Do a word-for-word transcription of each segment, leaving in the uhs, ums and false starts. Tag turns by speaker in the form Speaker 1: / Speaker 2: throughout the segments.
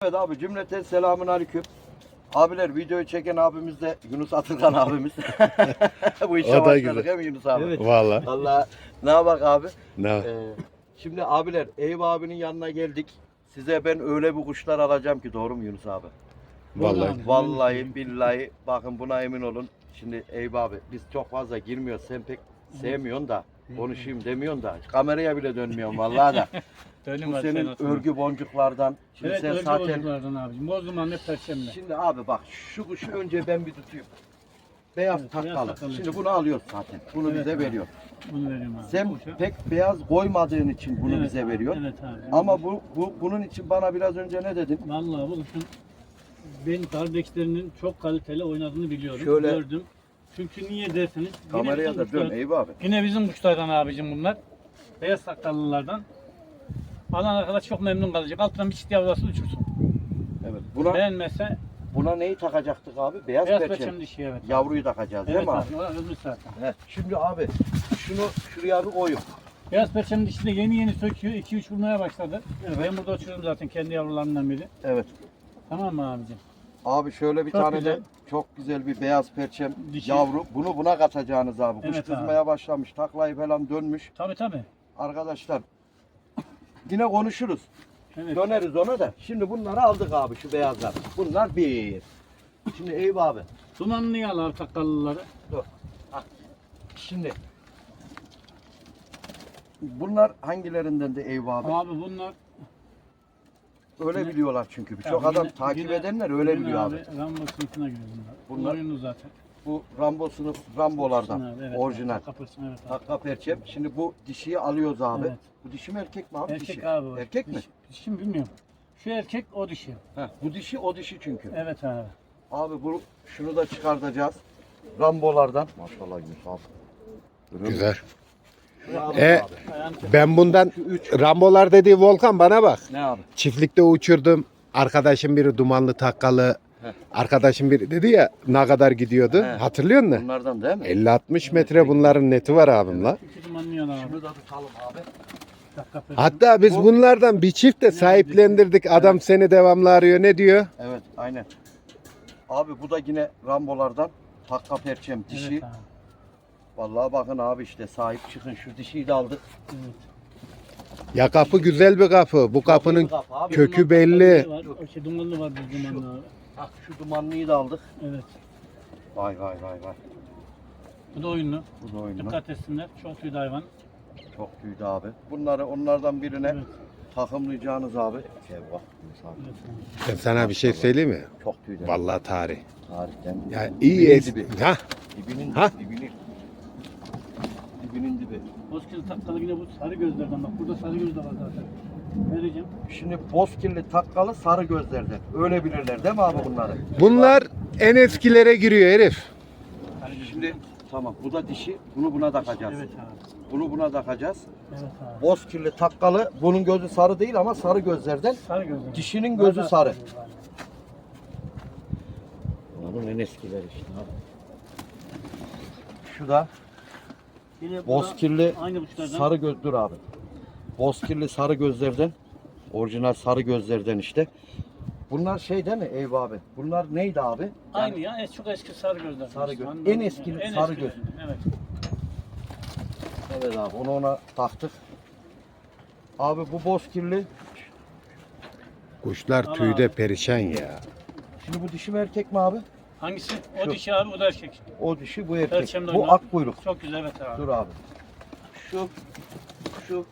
Speaker 1: Evet abi, cümleten selamun aleyküm. Abiler, videoyu çeken abimiz de Yunus Atılgan abimiz. Bu işe
Speaker 2: O da
Speaker 1: başladık
Speaker 2: güzel.
Speaker 1: değil mi Yunus abi?
Speaker 2: Evet. Vallahi.
Speaker 1: Vallahi ne yapak abi?
Speaker 2: Ne?
Speaker 1: Ee, şimdi abiler, Eyüp abinin yanına geldik. Size ben öyle bir kuşlar alacağım ki, doğru mu Yunus abi?
Speaker 2: Vallahi.
Speaker 1: Vallahi billahi, bakın buna emin olun. Şimdi Eyüp abi, biz çok fazla girmiyoruz. Sen pek sevmiyorsun da, konuşayım demiyorsun da, kameraya bile dönmüyorsun vallahi da. Bu senin örgü boncuklardan. Şimdi
Speaker 3: Evet,
Speaker 1: sen
Speaker 3: örgü
Speaker 1: zaten
Speaker 3: boncuklardan abicim. Bozduman ne perşembe.
Speaker 1: Şimdi abi bak, şu kuşu önce ben bir tutayım. Beyaz
Speaker 3: Evet, beyaz
Speaker 1: takkalı.
Speaker 3: takkalı.
Speaker 1: Şimdi bunu alıyoruz zaten. Bunu
Speaker 3: Evet
Speaker 1: bize
Speaker 3: abi.
Speaker 1: veriyor.
Speaker 3: Bunu veriyorum abi.
Speaker 1: Sen
Speaker 3: Boşa.
Speaker 1: pek beyaz koymadığın için bunu
Speaker 3: Evet
Speaker 1: bize
Speaker 3: abi,
Speaker 1: veriyor.
Speaker 3: Evet abi.
Speaker 1: Ama bu, bu bunun için bana biraz önce ne dedin?
Speaker 3: Vallahi bu kuşun ben kardeşlerinin çok kaliteli oynadığını biliyorum.
Speaker 1: Şöyle-
Speaker 3: Gördüm. Çünkü niye derseniz yine
Speaker 1: Kameraya
Speaker 3: bizim
Speaker 1: da
Speaker 3: kuşlar-
Speaker 1: dön Eyüp abi.
Speaker 3: Yine bizim kuşlardan abicim bunlar. Beyaz sakallılardan. Alan arkadaş çok memnun kalacak. Altından bir çift yavrusu uçursun.
Speaker 1: Evet. Buna
Speaker 3: Beğenmezse
Speaker 1: buna neyi takacaktık abi? Beyaz,
Speaker 3: beyaz
Speaker 1: perçem.
Speaker 3: perçem dişi evet.
Speaker 1: Yavruyu takacağız değil
Speaker 3: Evet
Speaker 1: mi abi?
Speaker 3: abi. O öbür zaten.
Speaker 1: Heh. Şimdi abi şunu şuraya bir koyun.
Speaker 3: Beyaz perçem dişi de yeni yeni söküyor. iki üç vurmaya başladı. Ben burada uçuruyorum zaten kendi yavrularından biri.
Speaker 1: Evet.
Speaker 3: Tamam mı abicim?
Speaker 1: Abi şöyle bir
Speaker 3: Çok
Speaker 1: tane
Speaker 3: güzel.
Speaker 1: de çok güzel bir beyaz perçem
Speaker 3: Dişi.
Speaker 1: yavru. Bunu buna katacağınız abi. Kuş
Speaker 3: Evet abi.
Speaker 1: kızmaya başlamış. Taklayı falan dönmüş.
Speaker 3: Tabii tabii.
Speaker 1: Arkadaşlar yine konuşuruz.
Speaker 3: Evet.
Speaker 1: Döneriz ona da. Şimdi bunları aldık abi, şu beyazlar. Bunlar bir. Şimdi Eyüp abi.
Speaker 3: Dumanlı al sakallıları.
Speaker 1: Dur. Hah. Şimdi bunlar hangilerinden de Eyüp abi?
Speaker 3: Abi bunlar
Speaker 1: Öyle
Speaker 3: yine-
Speaker 1: biliyorlar çünkü. Birçok
Speaker 3: Ya
Speaker 1: adam
Speaker 3: yine-
Speaker 1: takip
Speaker 3: yine-
Speaker 1: edenler öyle
Speaker 3: yine
Speaker 1: biliyor abi.
Speaker 3: Rambo sınıfına giriyor bunlar.
Speaker 1: Bunlar-
Speaker 3: Bunlar oyunu zaten.
Speaker 1: Bu Rambo sınıf Rambolardan.
Speaker 3: Abi, evet,
Speaker 1: orijinal.
Speaker 3: Kapırsın evet abi.
Speaker 1: Takka perçem. Şimdi bu dişiyi alıyoruz abi.
Speaker 3: Evet.
Speaker 1: Bu dişi mi erkek mi abi?
Speaker 3: Erkek
Speaker 1: dişi.
Speaker 3: abi. o.
Speaker 1: Erkek mi?
Speaker 3: Dişi, dişi mi bilmiyorum. Şu erkek o dişi.
Speaker 1: Heh, bu dişi o dişi çünkü.
Speaker 3: Evet abi.
Speaker 1: Abi bu şunu da çıkartacağız. Rambolardan. Maşallah Yunus abi. Görüyor musun?
Speaker 2: Güzel.
Speaker 1: Şunu alın
Speaker 2: E,
Speaker 1: abi.
Speaker 3: Ayağını çek.
Speaker 2: Ben bundan
Speaker 1: Şu üç.
Speaker 2: Rambolar dediği Volkan bana bak.
Speaker 1: Ne abi?
Speaker 2: Çiftlikte uçurdum. Arkadaşım biri dumanlı takkalı.
Speaker 1: Heh.
Speaker 2: Arkadaşım biri dedi ya ne kadar gidiyordu.
Speaker 1: He.
Speaker 2: Hatırlıyor musun?
Speaker 1: Bunlardan değil mi?
Speaker 2: elli altmış metre bunların neti var abim la.
Speaker 3: İki dumanlı al abi.
Speaker 1: Şunu da tutalım abi.
Speaker 3: Dakika perşembe.
Speaker 2: Hatta biz
Speaker 1: Bu-
Speaker 2: bunlardan bir çift de sahiplendirdik. Adam seni devamlı arıyor. Ne diyor?
Speaker 1: Evet, aynen. Abi bu da yine Rambolardan takka perçem dişi.
Speaker 3: Evet abi.
Speaker 1: Vallahi bakın abi, işte sahip çıkın, şu dişiyi de aldık.
Speaker 3: Evet.
Speaker 2: Ya kapı güzel bir kapı. Bu kapının
Speaker 1: Kapı abi.
Speaker 2: kökü
Speaker 3: Dumanlı
Speaker 2: belli.
Speaker 3: var. O şey dumanlı var bir dumanlı abi.
Speaker 1: Bak şu dumanlıyı da aldık.
Speaker 3: Evet.
Speaker 1: Vay vay vay vay.
Speaker 3: Bu da oyunlu.
Speaker 1: Bu da oyunlu.
Speaker 3: Dikkat etsinler. Çok tüylü hayvan.
Speaker 1: Çok büyüdü abi. Bunları onlardan birine
Speaker 3: Evet.
Speaker 1: takımlayacağınız abi. Şey bak Yunus abi.
Speaker 3: Evet.
Speaker 2: Ben sana bir şey söyleyeyim mi?
Speaker 1: Çok büyüdü.
Speaker 2: Vallahi tarih.
Speaker 1: Tarihten.
Speaker 2: Ya iyi
Speaker 1: Dibinin
Speaker 2: es.
Speaker 1: dibi.
Speaker 2: Ha?
Speaker 1: Dibinin
Speaker 2: Ha?
Speaker 1: dibinin. Dibinin dibi.
Speaker 3: Bozkır'ı takkalı yine bu sarı gözlerden bak. Burada sarı göz de var zaten. Vereceğim.
Speaker 1: Şimdi bozkirli takkalı sarı gözlerden. Öyle bilirler değil mi abi bunları?
Speaker 2: Bunlar en eskilere giriyor herif.
Speaker 3: Sarı göz.
Speaker 1: Şimdi tamam, bu da dişi. Bunu buna takacağız.
Speaker 3: Evet abi.
Speaker 1: Bunu buna takacağız.
Speaker 3: Evet abi.
Speaker 1: Bozkirli takkalı. Bunun gözü sarı değil ama sarı gözlerden.
Speaker 3: Sarı gözler.
Speaker 1: Dişinin gözü
Speaker 3: Burada
Speaker 1: sarı.
Speaker 3: göz var.
Speaker 1: Onun en eskileri işte abi. Şu da
Speaker 3: Yine bu da
Speaker 1: bozkirli
Speaker 3: aynı kuşlardan.
Speaker 1: sarı göz, dur abi. Bozkirli sarı gözlerden. Orijinal sarı gözlerden işte. Bunlar şey değil mi Eyüp abi? Bunlar neydi abi? Yani
Speaker 3: Aynı ya. Es çok eski sarı gözler.
Speaker 1: Sarı göz.
Speaker 3: Anladım.
Speaker 1: En eski
Speaker 3: En
Speaker 1: sarı
Speaker 3: eskileri. Evet.
Speaker 1: Evet abi, onu ona taktık. Abi bu bozkirli.
Speaker 2: Kuşlar
Speaker 3: Al
Speaker 2: tüyde
Speaker 3: abi.
Speaker 2: perişan ya.
Speaker 1: Şimdi bu dişi mi erkek mi abi?
Speaker 3: Hangisi? O
Speaker 1: Şu.
Speaker 3: dişi abi, o da erkek.
Speaker 1: O dişi, bu erkek.
Speaker 3: Perçemde
Speaker 1: Bu
Speaker 3: oynar.
Speaker 1: ak kuyruk.
Speaker 3: Çok güzel evet abi.
Speaker 1: Dur abi. Şu, şu.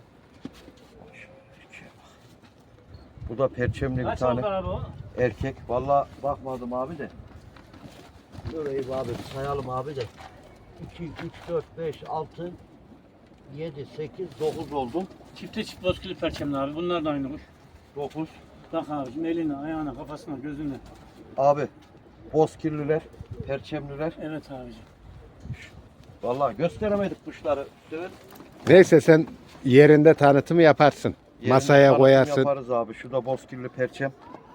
Speaker 1: Bu da perçemli bir
Speaker 3: Kaç
Speaker 1: tane
Speaker 3: oldu abi o?
Speaker 1: erkek. Vallahi bakmadım abi de. Dur Eyüp abi, sayalım abi de. iki, üç, dört, beş, altı, yedi, sekiz, dokuz oldum.
Speaker 3: Çifte çift bozkırlı perçemli abi. Bunlar da aynı kuş.
Speaker 1: dokuz.
Speaker 3: Bak abicim eline, ayağına, kafasına, gözüne.
Speaker 1: Abi bozkirliler, perçemliler.
Speaker 3: Evet abicim.
Speaker 1: Vallahi gösteremedik kuşları. Evet.
Speaker 2: Neyse sen yerinde tanıtımı yaparsın.
Speaker 1: Yerine
Speaker 2: Masaya
Speaker 1: tanıtım
Speaker 2: koyarsın.
Speaker 1: Yaparız abi. Şu da bozkirli perçem.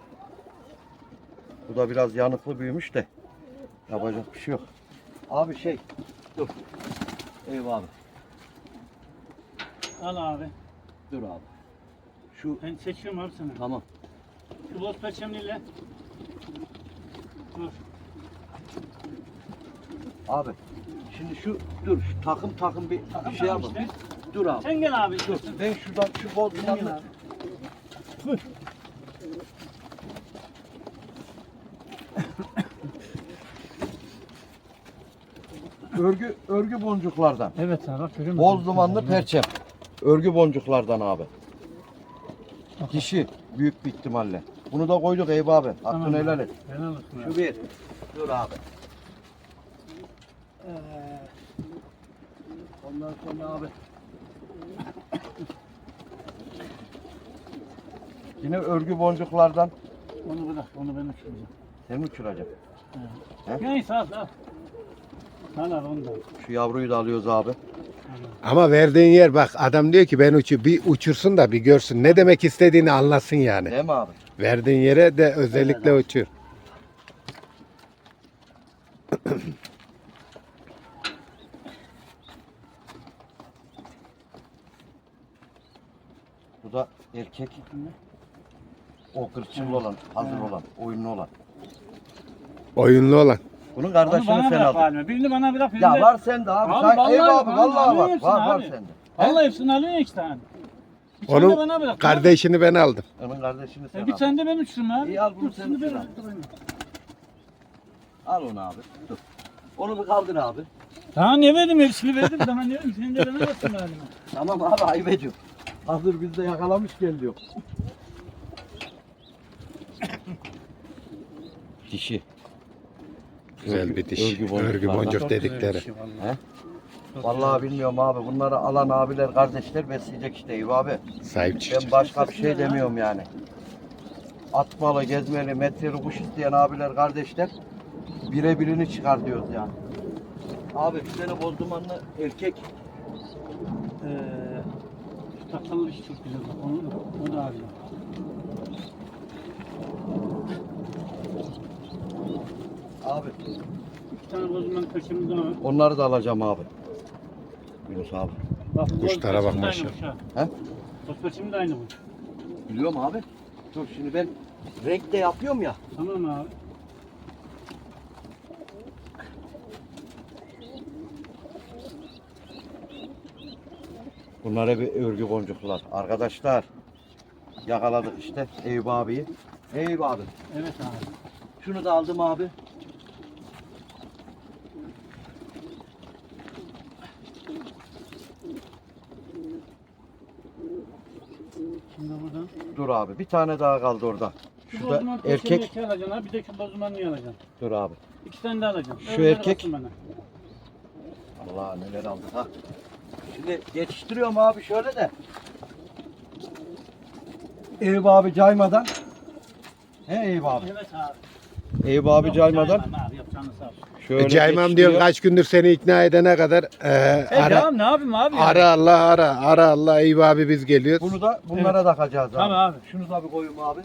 Speaker 1: Bu da biraz yanıklı büyümüş de. Yapacak bir şey yok. Abi şey. Dur. Eyvah abi.
Speaker 3: Al abi.
Speaker 1: Dur abi. Şu
Speaker 3: Ben seçiyorum abi sana.
Speaker 1: tamam.
Speaker 3: Şu Şu boz perçemliyle. Dur.
Speaker 1: Abi şimdi şu dur şu takım takım bir
Speaker 3: Takım
Speaker 1: şey
Speaker 3: takım
Speaker 1: yapalım.
Speaker 3: işte.
Speaker 1: Dur abi.
Speaker 3: Sen gel abi.
Speaker 1: Dur. Ben şuradan şu bol
Speaker 3: Sen gel
Speaker 1: dumanlı.
Speaker 3: abi. Dur.
Speaker 1: Örgü örgü boncuklardan.
Speaker 3: Evet abi bak görüyor musun?
Speaker 1: Boz dumanlı perçem. Örgü boncuklardan abi. Dişi büyük bir ihtimalle. Bunu da koyduk Eyüp abi. Hakkını
Speaker 3: Tamam
Speaker 1: helal
Speaker 3: abi.
Speaker 1: et.
Speaker 3: Helal olsun abi.
Speaker 1: Şu bir. Dur abi. Ee, ondan sonra abi. Yine örgü boncuklardan.
Speaker 3: Onu bırak, onu ben uçuracağım.
Speaker 1: Sen mi uçuracaksın? He?
Speaker 3: Neyse al al. Al al onu da.
Speaker 1: Şu yavruyu da alıyoruz abi.
Speaker 2: Ama verdiğin yer bak adam diyor ki ben uçu bir uçursun da bir görsün. Ne demek istediğini anlasın yani.
Speaker 1: Değil mi abi?
Speaker 2: Verdiğin yere de özellikle
Speaker 3: Evet.
Speaker 2: uçur.
Speaker 1: Bu da erkek. O kırçıllı olan, hazır olan, oyunlu olan.
Speaker 2: Oyunlu olan.
Speaker 1: Bunun
Speaker 3: Onu
Speaker 1: kardeşini
Speaker 3: bana
Speaker 1: sen
Speaker 3: bırak
Speaker 1: aldın.
Speaker 3: halime. Birini bana bırak. Birini
Speaker 1: Ya
Speaker 3: de...
Speaker 1: var sende abi.
Speaker 3: Abi
Speaker 1: Say-
Speaker 3: vallahi
Speaker 1: Eyüp abi
Speaker 3: bana
Speaker 1: vallahi
Speaker 3: alıyor
Speaker 1: var.
Speaker 3: hepsini
Speaker 1: Var var
Speaker 3: abi.
Speaker 1: sende.
Speaker 3: Vallahi hepsini alıyorsun iki tane. Bir tane de
Speaker 2: Onun
Speaker 3: bana bırak.
Speaker 2: kardeşini ben aldım.
Speaker 1: Onun kardeşini sen
Speaker 3: E, bir
Speaker 1: al.
Speaker 3: tane de ben uçurum abi.
Speaker 1: İyi, al bunu
Speaker 3: Dur,
Speaker 1: sen
Speaker 3: şimdi
Speaker 1: uçur
Speaker 3: ben
Speaker 1: abi.
Speaker 3: uçurayım.
Speaker 1: Al onu abi. Dur. Onu bir kaldır abi.
Speaker 3: Daha ne verdim hepsini verdim. Daha ne verdim senin de bana bıraksın halime.
Speaker 1: Tamam abi ayıp ediyor. Hazır bizde yakalamış gel diyor. Dişi.
Speaker 2: Güzel bir diş.
Speaker 1: Örgü boncuk
Speaker 2: Örgü
Speaker 1: var lan.
Speaker 2: boncuk
Speaker 3: Çok güzel
Speaker 2: dedikleri.
Speaker 3: bir şey vallahi.
Speaker 1: He?
Speaker 3: Çok
Speaker 1: Vallahi
Speaker 3: güzel.
Speaker 1: bilmiyorum abi. Bunları alan abiler, kardeşler besleyecek işte Eyüp abi.
Speaker 2: Sahip çıkacak.
Speaker 1: Ben başka bir şey demiyorum yani. Atmalı, gezmeli, metreli kuş isteyen abiler, kardeşler birebirini çıkar diyoruz yani. Abi bir tane boz dumanlı erkek.
Speaker 3: Ee, şu takkalı iş çok güzel bak. Onu, onu da arayayım.
Speaker 1: Abi
Speaker 3: İki tane bozulmanın perçemimiz daha var.
Speaker 1: onları da alacağım abi. Yunus abi.
Speaker 3: Bak, bu
Speaker 2: Kuşlara
Speaker 3: boz
Speaker 2: bak
Speaker 3: perçemi de
Speaker 2: maşallah.
Speaker 3: aynı kuş ha.
Speaker 1: He?
Speaker 3: Boz perçemi de aynı bu.
Speaker 1: Biliyorum abi. Dur şimdi ben renk de yapıyorum ya.
Speaker 3: Tamam abi.
Speaker 1: Bunlar hep örgü boncuklar. Arkadaşlar yakaladık işte Eyüp abiyi. Eyüp abi.
Speaker 3: Evet abi.
Speaker 1: Şunu da aldım abi.
Speaker 3: Şimdi buradan.
Speaker 1: Dur abi. Bir tane daha kaldı orada.
Speaker 3: Şu
Speaker 1: Şu da
Speaker 3: bozulmanın
Speaker 1: erkek.
Speaker 3: perçemini iki alacaksın abi. Bir de şu bozulmanını alacaksın.
Speaker 1: Dur abi.
Speaker 3: İki tane de alacaksın.
Speaker 1: Şu
Speaker 3: Öyle
Speaker 1: erkek.
Speaker 3: baksın bana.
Speaker 1: Allah neler aldık ha. Şimdi yetiştiriyorum abi şöyle de. Eyüp abi caymadan. He Eyüp abi.
Speaker 3: Evet abi.
Speaker 1: Eyüp abi
Speaker 3: Yok,
Speaker 1: caymeden.
Speaker 3: caymam abi. Yok canı sağ olsun.
Speaker 1: Şöyle
Speaker 2: E, Caymam diyorsun
Speaker 1: yetiştiriyorum.
Speaker 2: kaç gündür seni ikna edene kadar e,
Speaker 3: E
Speaker 2: ara,
Speaker 3: tamam ne yapayım abi? ya?
Speaker 2: ara Allah ara ara Allah Eyüp abi biz geliyoruz.
Speaker 1: Bunu da bunlara takacağız abi.
Speaker 3: Tamam abi.
Speaker 1: Şunu da bir koyayım abi.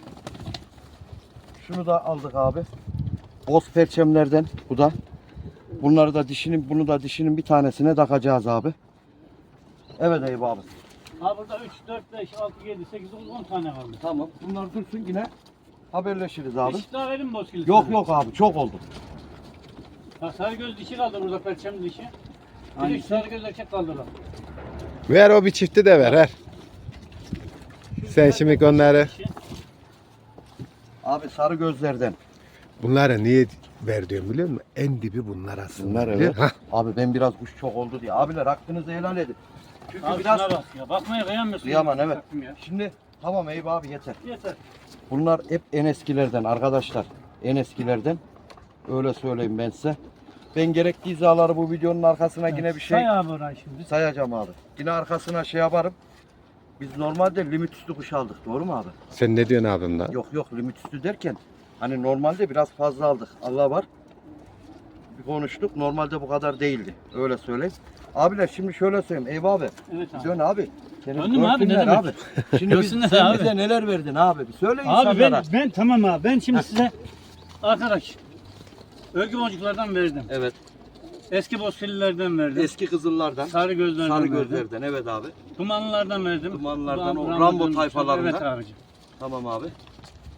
Speaker 1: Şunu da aldık abi. Boz perçemlerden bu da. Bunları da dişinin, bunu da dişinin bir tanesine takacağız abi. Evet Eyüp abi.
Speaker 3: Ha burada üç, dört, beş, altı, yedi, sekiz, dokuz, on tane kaldı.
Speaker 1: Tamam. Bunlar dursun yine haberleşiriz abi.
Speaker 3: Diş daha verin mi bozkili?
Speaker 1: Yok yok abi çok oldu.
Speaker 3: Ha, sarıgöz dişi kaldı burada perçem dişi. Bir de
Speaker 1: Hangisi?
Speaker 3: şu sarıgöz erkek kaldı lan.
Speaker 2: Ver o bir çifti de ver ver.
Speaker 3: Şu
Speaker 2: Sen
Speaker 3: güzel
Speaker 2: şimdi
Speaker 3: perçem
Speaker 2: onları-
Speaker 3: dişi.
Speaker 1: Abi sarı gözlerden.
Speaker 2: Bunları niye ver diyorum biliyor musun? En dibi bunlar aslında.
Speaker 1: Bunlar
Speaker 2: biliyor
Speaker 1: evet.
Speaker 2: musun? Hah.
Speaker 1: Abi ben biraz kuş çok oldu diye. Abiler hakkınızı helal edin. Çünkü
Speaker 3: Abi
Speaker 1: biraz
Speaker 3: şuna bak ya. Bakmaya kıyamıyorsun.
Speaker 1: Kıyamam, evet.
Speaker 3: Baktım ya.
Speaker 1: şimdi tamam Eyüp abi yeter.
Speaker 3: Yeter.
Speaker 1: Bunlar hep en eskilerden arkadaşlar. En eskilerden. Öyle söyleyeyim ben size. Ben gerekli izaları bu videonun arkasına yine bir şey
Speaker 3: Say abi orayı şimdi.
Speaker 1: sayacağım abi. Yine arkasına şey yaparım. Biz normalde limit üstü kuş aldık. Doğru mu abi?
Speaker 2: Sen ne diyorsun abim lan?
Speaker 1: Yok yok limit üstü derken hani normalde biraz fazla aldık. Allah var. Bir konuştuk. Normalde bu kadar değildi. Öyle söyleyeyim. Abiler şimdi şöyle söyleyeyim. Eyvah abi.
Speaker 3: Evet abi.
Speaker 1: Dön abi. Senin
Speaker 3: Döndüm abi, ne
Speaker 1: görsünler
Speaker 3: demek?
Speaker 1: abi. Şimdi biz,
Speaker 3: Görsünler
Speaker 1: sen
Speaker 3: abi.
Speaker 1: bize neler verdin abi? Bir söyle
Speaker 3: Abi
Speaker 1: insanlara.
Speaker 3: ben, ben tamam abi. Ben şimdi size arkadaş örgü boncuklardan verdim.
Speaker 1: Evet.
Speaker 3: Eski bozkililerden verdim.
Speaker 1: Eski kızıllardan.
Speaker 3: Sarı gözlerden
Speaker 1: Sarı
Speaker 3: verdim.
Speaker 1: gözlerden evet abi.
Speaker 3: Dumanlılardan verdim.
Speaker 1: Dumanlılardan, o
Speaker 3: Ram-
Speaker 1: Rambo
Speaker 3: Rambo'dan-
Speaker 1: tayfalarından.
Speaker 3: Evet abicim.
Speaker 1: Tamam abi.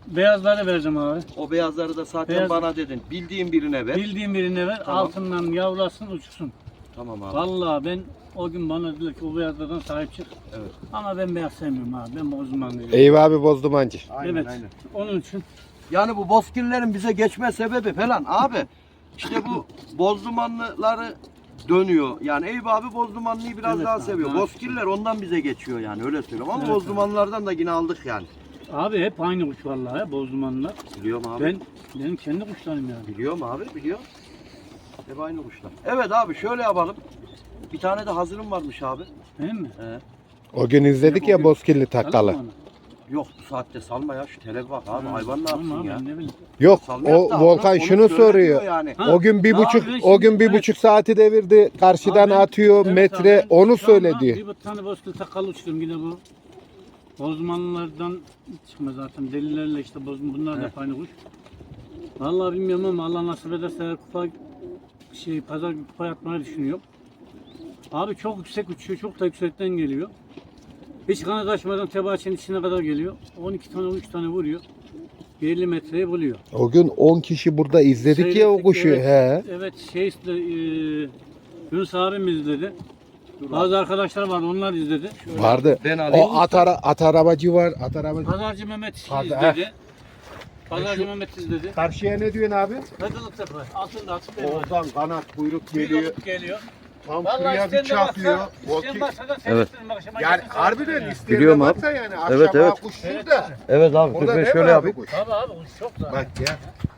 Speaker 3: beyazları vereceğim abi.
Speaker 1: O beyazları da zaten
Speaker 3: Beyaz-
Speaker 1: bana dedin. Bildiğin birine ver.
Speaker 3: Bildiğin birine ver,
Speaker 1: Tamam.
Speaker 3: altından yavrulasın, uçsun.
Speaker 1: Tamam abi.
Speaker 3: Vallahi ben o gün bana dediler ki o beyazlardan sahip çık.
Speaker 1: Evet.
Speaker 3: Ama ben beyaz sevmiyorum abi. Ben bozdumanlıyım.
Speaker 2: Eyvah abi bozdumancı.
Speaker 1: Aynen
Speaker 3: Evet.
Speaker 1: aynen.
Speaker 3: Onun için
Speaker 1: Yani bu bozkirlerin bize geçme sebebi falan abi. İşte bu bozdumanlıları dönüyor. Yani Eyüp abi bozdumanlıyı biraz
Speaker 3: Evet
Speaker 1: daha
Speaker 3: abi,
Speaker 1: seviyor.
Speaker 3: evet.
Speaker 1: Bozkirler ondan bize geçiyor yani öyle söylüyorum. Ama
Speaker 3: Evet
Speaker 1: bozdumanlardan da yine aldık yani.
Speaker 3: abi hep aynı kuş vallahi bozdumanlar.
Speaker 1: Biliyorum abi.
Speaker 3: Ben benim kendi kuşlarım yani.
Speaker 1: Biliyorum abi biliyorum. Hep aynı kuşlar. Evet abi şöyle yapalım. Bir tane de hazırım varmış abi.
Speaker 3: Değil mi?
Speaker 1: Ee,
Speaker 2: O gün izledik ya bozkirli takkalı.
Speaker 3: Tamam mı?
Speaker 1: yok bu saatte salma ya şu tele bak abi. Hayvan ne
Speaker 3: Tamam
Speaker 1: yapsın
Speaker 3: abi,
Speaker 1: ya?
Speaker 3: ben ne bileyim.
Speaker 2: Yok
Speaker 1: Salmayak
Speaker 2: o
Speaker 1: da
Speaker 2: Volkan
Speaker 1: onu-
Speaker 2: şunu
Speaker 1: onu söyle
Speaker 2: soruyor.
Speaker 1: diyor Yani.
Speaker 3: Ha,
Speaker 2: O gün bir
Speaker 3: ne
Speaker 2: buçuk
Speaker 3: yapıyorsun
Speaker 2: o gün
Speaker 3: şimdi?
Speaker 2: bir
Speaker 3: Evet.
Speaker 2: buçuk saati devirdi. Karşıdan
Speaker 3: Abi ben-
Speaker 2: atıyor
Speaker 3: evet
Speaker 2: metre
Speaker 3: abi, ben
Speaker 2: onu
Speaker 3: şu
Speaker 2: söyle
Speaker 3: anda
Speaker 2: diyor.
Speaker 3: Bir tane bozkır takalı uçtum yine bu. Bozdumanlardan çıkma zaten. Delilerle işte bozum bunlar da
Speaker 1: Evet.
Speaker 3: hep aynı kuş. Vallahi bilmiyorum ama Allah nasip ederse eğer kupa şey pazar günü kupa yapmayı düşünüyorum. Abi çok yüksek uçuyor, çok da yüksekten geliyor. Hiç kanat açmadan tebaçenin içine kadar geliyor. on iki tane, on üç tane vuruyor. elli metreyi buluyor.
Speaker 2: O gün on kişi burada izledik ya o
Speaker 3: Seyrettik,
Speaker 2: kuşu.
Speaker 3: evet.
Speaker 2: He.
Speaker 3: Evet şey işte e, Yunus abim izledi. Bazı arkadaşlar vardı onlar izledi. Şöyle.
Speaker 2: Vardı.
Speaker 1: Ben alayım.
Speaker 2: O at, ara, at arabacı var. At arabacı.
Speaker 3: Pazarcı Mehmet
Speaker 2: Hadi,
Speaker 3: izledi. Pazarcı Mehmet izledi.
Speaker 2: Karşıya ne diyorsun abi?
Speaker 3: Kadılık tepe. Altında atıp elma.
Speaker 2: Oradan kanat kuyruk
Speaker 3: Büyük
Speaker 2: geliyor.
Speaker 3: olup geliyor.
Speaker 2: Tam
Speaker 3: Vallahi
Speaker 2: şuraya
Speaker 3: isteyen
Speaker 2: bir
Speaker 3: de
Speaker 2: çakıyor.
Speaker 3: baksa,
Speaker 2: O
Speaker 3: isteyen
Speaker 2: ki-
Speaker 3: baksa da
Speaker 1: Evet.
Speaker 3: seyrettirin akşama
Speaker 2: Yani
Speaker 3: gelsin
Speaker 2: harbiden
Speaker 3: seyrettirin
Speaker 2: isteyen
Speaker 1: Biliyorum
Speaker 2: de
Speaker 1: abi.
Speaker 2: baksa yani akşam
Speaker 1: Evet, evet.
Speaker 2: kuş
Speaker 3: Evet.
Speaker 2: şurada.
Speaker 1: Evet abi dur
Speaker 2: Orada
Speaker 1: ben
Speaker 2: değil mi
Speaker 1: şöyle
Speaker 2: abi
Speaker 1: yapayım.
Speaker 2: kuş?
Speaker 3: Tabii abi kuş çok da.
Speaker 2: Bak ya.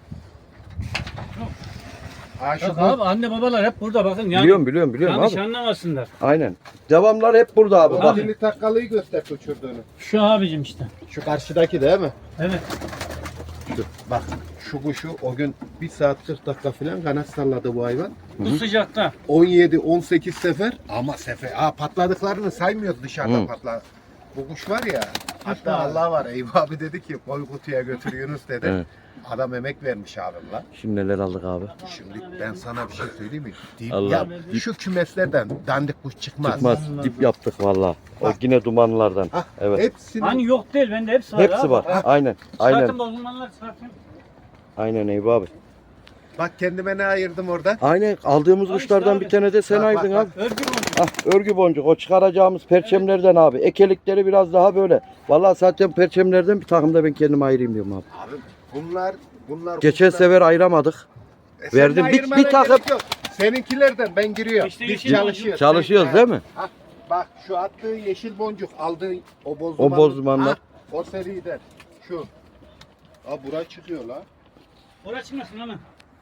Speaker 2: Ha şu
Speaker 3: Bak
Speaker 2: kuş-
Speaker 3: abi anne babalar hep burada bakın yani.
Speaker 1: Biliyorum biliyorum biliyorum
Speaker 3: Yanlış
Speaker 1: abi.
Speaker 3: anlamasınlar.
Speaker 1: Aynen. Devamlar hep burada abi.
Speaker 2: O
Speaker 1: Bak.
Speaker 2: dili takkalıyı göster uçurduğunu.
Speaker 3: Şu abicim işte.
Speaker 2: Şu karşıdaki değil mi?
Speaker 3: Evet.
Speaker 2: Şu, bak şu kuşu o gün bir saat kırk dakika falan kanat salladı bu hayvan.
Speaker 3: Bu sıcakta.
Speaker 2: on yedi on sekiz sefer ama sefer ha patladıklarını saymıyoruz dışarıda
Speaker 1: Hı.
Speaker 2: patla. Bu kuş var ya hatta
Speaker 3: abi.
Speaker 2: Allah var Eyüp abi dedi ki koy kutuya götür Yunus dedi.
Speaker 1: Evet.
Speaker 2: Adam emek vermiş abim lan.
Speaker 1: Şimdi neler aldık abi?
Speaker 2: Şimdi ben sana bir şey söyleyeyim mi? Dip,
Speaker 1: Allah.
Speaker 2: ya, şu kümeslerden dandik kuş çıkmaz.
Speaker 1: Çıkmaz. Dip yaptık valla. O yine dumanlardan.
Speaker 2: Hah,
Speaker 1: Evet.
Speaker 2: Hepsini
Speaker 3: Hani yok değil bende hepsi var abi.
Speaker 1: Hepsi var.
Speaker 2: Ha.
Speaker 1: Aynen. Aynen.
Speaker 3: Zaten bozulmanlar zaten.
Speaker 1: Aynen Eyüp abi.
Speaker 2: bak kendime ne ayırdım orada?
Speaker 1: Aynen aldığımız
Speaker 3: Abi
Speaker 1: kuşlardan
Speaker 3: işte
Speaker 1: bir tane de sen
Speaker 2: Bak,
Speaker 1: aydın
Speaker 2: bak,
Speaker 1: abi.
Speaker 3: Örgü boncuk.
Speaker 1: Ah örgü boncuk o çıkaracağımız perçemlerden abi. Ekelikleri biraz daha böyle. Vallahi zaten perçemlerden bir takımda ben kendime ayırayım diyorum abi.
Speaker 2: Abi bunlar bunlar
Speaker 1: Geçen
Speaker 2: kuşlar-
Speaker 1: sefer ayıramadık.
Speaker 2: E, sen
Speaker 1: verdim.
Speaker 2: de
Speaker 1: Bir-
Speaker 2: ayırmana
Speaker 1: bir takım-
Speaker 2: gerek yok. Seninkilerden ben giriyorum.
Speaker 3: İşte
Speaker 2: Biz
Speaker 3: yeşil
Speaker 2: çalışıyoruz.
Speaker 3: boncuk.
Speaker 1: Çalışıyoruz
Speaker 2: Ha,
Speaker 1: değil mi?
Speaker 2: ha, bak şu attığı yeşil boncuk aldığı o bozdumanlı.
Speaker 1: O bozdumanlar.
Speaker 2: Ha, o seriden şu. Aa bura çıkıyor la.
Speaker 3: Oraya çıkmasın ama.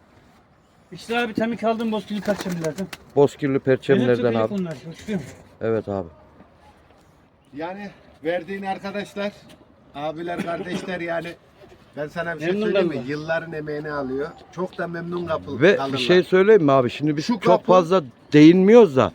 Speaker 3: İşte abi temik aldım bozkili kaçırdılardı.
Speaker 1: Bozkirli perçemlerden abi.
Speaker 3: Bunlar. Uçuyor.
Speaker 1: Evet abi.
Speaker 2: Yani verdiğin arkadaşlar, abiler, kardeşler yani ben sana bir şey
Speaker 3: Memnun
Speaker 2: söyleyeyim mi?
Speaker 3: kaldılar.
Speaker 2: Yılların emeğini alıyor. Çok da memnun kapı
Speaker 1: Ve
Speaker 2: kalırlar.
Speaker 1: bir şey söyleyeyim mi abi? Şimdi biz
Speaker 2: Şu
Speaker 1: çok
Speaker 2: kapı-
Speaker 1: fazla değinmiyoruz da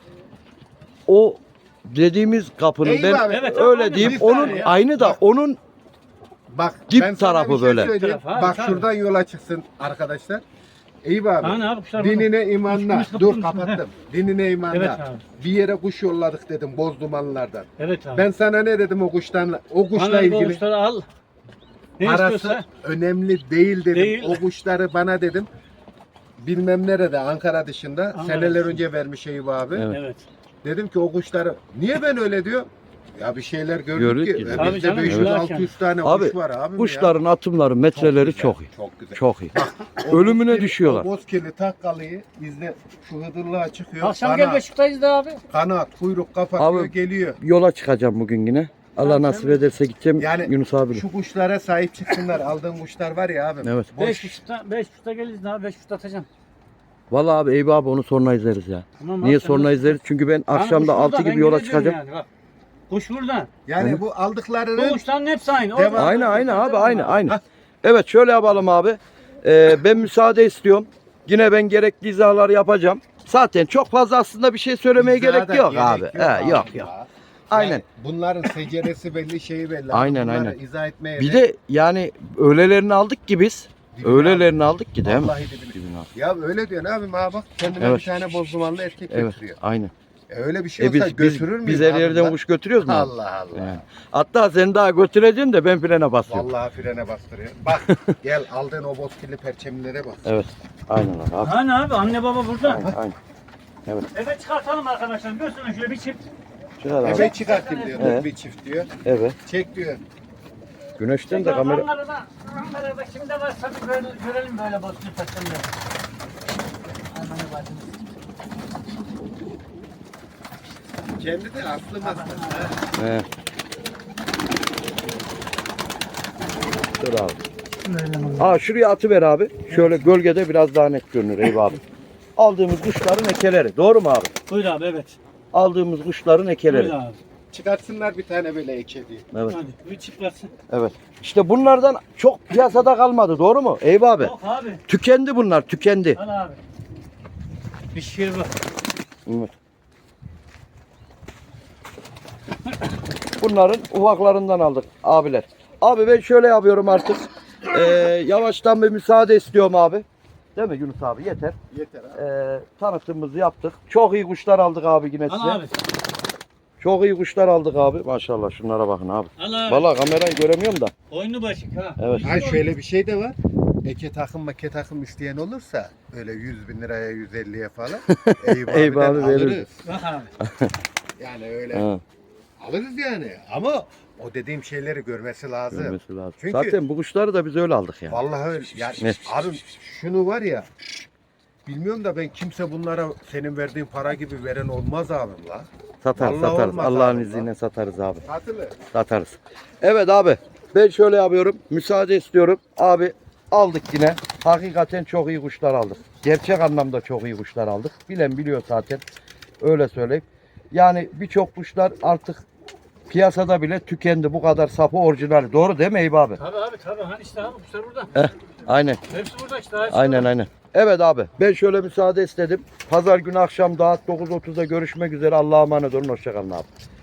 Speaker 1: o dediğimiz kapının
Speaker 2: Eyüp
Speaker 1: ben
Speaker 2: abi,
Speaker 3: Evet,
Speaker 1: öyle
Speaker 3: aynen.
Speaker 1: diyeyim
Speaker 2: Bir
Speaker 1: onun
Speaker 2: tane ya.
Speaker 1: aynı da
Speaker 2: Bak.
Speaker 1: onun
Speaker 2: Bak
Speaker 1: Dip
Speaker 2: ben sana
Speaker 1: tarafı
Speaker 2: bir şey
Speaker 1: böyle.
Speaker 2: söyleyeyim.
Speaker 3: Taraf, abi,
Speaker 2: Bak
Speaker 3: tabii.
Speaker 2: şuradan yola çıksın arkadaşlar. Eyüp abi.
Speaker 3: Hani abi kuşlar burada.
Speaker 2: Dinine imanla.
Speaker 3: Kuş- kuş
Speaker 2: Dur
Speaker 3: kapatın.
Speaker 2: kapattım. Dinine imanla.
Speaker 3: Evet abi.
Speaker 2: Bir yere kuş yolladık dedim bozdumanlardan.
Speaker 3: Evet abi.
Speaker 2: Ben sana ne dedim o kuştan o kuşla
Speaker 3: Bana bu
Speaker 2: ilgili
Speaker 3: kuşları al. Ne
Speaker 2: parası
Speaker 3: istiyorsa.
Speaker 2: önemli değil dedim.
Speaker 3: Değil.
Speaker 2: O kuşları bana dedim. Bilmem nerede Ankara dışında
Speaker 3: Ankara
Speaker 2: seneler
Speaker 3: dışında.
Speaker 2: önce vermiş Eyüp abi.
Speaker 1: Evet.
Speaker 3: Evet.
Speaker 2: Dedim ki o kuşları niye ben öyle diyor? Ya bir şeyler gördük
Speaker 1: Gördük
Speaker 2: ki.
Speaker 1: ki.
Speaker 2: Ve
Speaker 3: Tabii
Speaker 2: Bizde
Speaker 3: canım,
Speaker 2: beş yüz altı yüz
Speaker 3: evet.
Speaker 2: tane
Speaker 1: Abi,
Speaker 2: kuş var abi.
Speaker 1: kuşların atımları, metreleri
Speaker 2: güzel,
Speaker 1: çok iyi.
Speaker 2: Çok güzel.
Speaker 1: Çok iyi.
Speaker 2: O
Speaker 1: Ölümüne
Speaker 2: bozkirli-
Speaker 1: düşüyorlar.
Speaker 2: O bozkirli takkalıyı izle şu hıdırlığa çıkıyor.
Speaker 3: Akşam
Speaker 2: kanat,
Speaker 3: gel Beşiktaş'tayız da abi.
Speaker 2: kanat, kuyruk kapatıyor
Speaker 1: Abi,
Speaker 2: geliyor.
Speaker 1: Yola çıkacağım bugün yine. Allah
Speaker 3: Tamam,
Speaker 1: nasip
Speaker 3: sen-
Speaker 1: ederse gideceğim
Speaker 2: Yani
Speaker 1: Yunus abiyle.
Speaker 2: Şu kuşlara sahip çıksınlar. Aldığın kuşlar var ya abi.
Speaker 1: Evet.
Speaker 2: Boş.
Speaker 3: Beş buçukta, beş buçukta geliriz daha beş buçukta atacağım.
Speaker 1: Vallahi abi Eyüp abi onu sonra izleriz ya.
Speaker 3: Tamam abi,
Speaker 1: Niye
Speaker 3: sen
Speaker 1: sonra
Speaker 3: nasıl-
Speaker 1: izleriz? Çünkü ben
Speaker 3: Yani
Speaker 1: akşam
Speaker 3: kuş
Speaker 1: da
Speaker 3: burada,
Speaker 1: altı
Speaker 3: ben
Speaker 1: gibi yola
Speaker 3: yine diyorum
Speaker 1: çıkacağım.
Speaker 3: Yani, bak. Kuş burada.
Speaker 2: Yani
Speaker 1: Hı.
Speaker 2: bu
Speaker 3: Bu
Speaker 2: aldıklarının
Speaker 3: kuşların hepsi aynı.
Speaker 2: Devam.
Speaker 3: Orada-
Speaker 1: Aynı aynı abi aynı aynı.
Speaker 2: Hah.
Speaker 1: Evet şöyle yapalım abi. Ee, ben müsaade istiyorum. Yine ben gerekli izahları yapacağım. Zaten çok fazla aslında bir şey söylemeye
Speaker 2: izaha
Speaker 1: gerek
Speaker 2: da
Speaker 1: yok
Speaker 2: gerek
Speaker 1: abi. He,
Speaker 2: abi
Speaker 1: yok
Speaker 2: ya.
Speaker 1: yok.
Speaker 2: Yani
Speaker 1: Aynen.
Speaker 2: bunların seceresi belli, şeyi belli.
Speaker 1: Aynen,
Speaker 2: Bunları
Speaker 1: aynen.
Speaker 2: izah etmeye
Speaker 1: Bir de yani öğlelerini aldık ki biz.
Speaker 2: Dibine
Speaker 1: Öğlelerini aldık ki değil mi?
Speaker 2: Vallahi dibine.
Speaker 1: Dibine aldık.
Speaker 2: Ya öyle diyorsun abim ha bak kendine
Speaker 1: Evet.
Speaker 2: bir tane bozdumanlı erkek
Speaker 1: Evet
Speaker 2: getiriyor.
Speaker 1: aynen.
Speaker 2: E öyle bir şey
Speaker 1: E
Speaker 2: olsa
Speaker 1: biz, biz,
Speaker 2: götürür müyüz?
Speaker 1: biz her
Speaker 2: abi
Speaker 1: yerden
Speaker 2: lan?
Speaker 1: kuş götürüyoruz mu?
Speaker 2: Allah Allah.
Speaker 1: Yani. Hatta seni daha götüreceğim de ben frene basıyorum.
Speaker 2: Vallahi frene bastırıyor. Bak gel aldığın o bozkirli perçemlere bak.
Speaker 1: Evet. Aynen öyle abi.
Speaker 3: Hani abi anne baba burada.
Speaker 1: Aynen, aynen. Evet.
Speaker 3: Evet çıkartalım arkadaşlar. Görsün şöyle bir çift.
Speaker 1: Çıkar abi.
Speaker 2: Eve çıkartayım diyor.
Speaker 1: Evet.
Speaker 2: Bir çift diyor.
Speaker 1: Evet.
Speaker 2: Çek diyor.
Speaker 1: Güneşten de kamera...
Speaker 3: Ankara'da, Ankara'da kimde var tabii böyle, görelim böyle bozkır taşlarını. Ananı bacını.
Speaker 2: Kendi de aslı maslı.
Speaker 1: He. Dur abi. Aa şuraya atıver abi. Şöyle gölgede biraz daha net görünür Eyüp abi. Aldığımız kuşların ekeleri. Doğru mu abi?
Speaker 3: Buyur abi evet.
Speaker 1: Aldığımız kuşların ekeleri.
Speaker 3: Buyur abi.
Speaker 2: Çıkartsınlar bir tane böyle eke diye.
Speaker 1: Evet.
Speaker 3: Hadi bir çift versin.
Speaker 1: Evet. İşte bunlardan çok piyasada kalmadı. Doğru mu Eyüp abi?
Speaker 3: Yok abi.
Speaker 1: Tükendi bunlar. Tükendi.
Speaker 3: Al abi. Bir şey var.
Speaker 1: Evet. Bunların ufaklarından aldık abiler. Abi ben şöyle yapıyorum artık. Ee, yavaştan bir müsaade istiyorum abi. Değil mi Yunus abi? Yeter.
Speaker 2: Yeter abi.
Speaker 1: Ee, tanıtımımızı yaptık. Çok iyi kuşlar aldık abi yine size.
Speaker 3: Al abi.
Speaker 1: Çok iyi kuşlar aldık abi. Maşallah şunlara bakın abi.
Speaker 3: Al abi.
Speaker 1: Vallahi kamerayı göremiyorum da.
Speaker 3: Oyunu başık ha.
Speaker 1: Evet.
Speaker 2: Ha şöyle bir şey de var. Eke takım make takım isteyen olursa öyle yüz bin liraya yüz elliye falan Eyüp
Speaker 1: Eyüp
Speaker 2: abiden
Speaker 1: abi veririz.
Speaker 2: alırız.
Speaker 3: Bak abi.
Speaker 2: Yani öyle
Speaker 1: Ha,
Speaker 2: alırız yani. Ama o dediğim şeyleri görmesi lazım.
Speaker 1: görmesi lazım.
Speaker 2: Çünkü-
Speaker 1: Zaten bu kuşları da biz öyle aldık yani.
Speaker 2: Vallahi öyle. Yani
Speaker 1: Ne?
Speaker 2: abi şunu var ya bilmiyorum da ben kimse bunlara senin verdiğin para gibi veren olmaz abim la.
Speaker 1: Satarız
Speaker 2: Vallahi
Speaker 1: satarız.
Speaker 2: olmaz
Speaker 1: Allah'ın
Speaker 2: abi
Speaker 1: izniyle
Speaker 2: lan.
Speaker 1: satarız abi.
Speaker 2: Satılır.
Speaker 1: Satarız. Evet abi. Ben şöyle yapıyorum. Müsaade istiyorum. Abi aldık yine. Hakikaten çok iyi kuşlar aldık. Gerçek anlamda çok iyi kuşlar aldık. Bilen biliyor zaten. Öyle söyleyeyim. Yani birçok kuşlar artık piyasada bile tükendi. Bu kadar sapı orijinali. Doğru değil mi Eyüp abi?
Speaker 3: Tabii abi tabii. Hani işte abi kuşlar burada.
Speaker 1: Heh, aynen.
Speaker 3: Hepsi burada işte. hepsi
Speaker 1: Aynen
Speaker 3: burada.
Speaker 1: aynen. Evet abi. Ben şöyle müsaade istedim. Pazar günü akşam saat dokuz otuzda görüşmek üzere. Allah'a emanet olun. Hoşçakalın abi.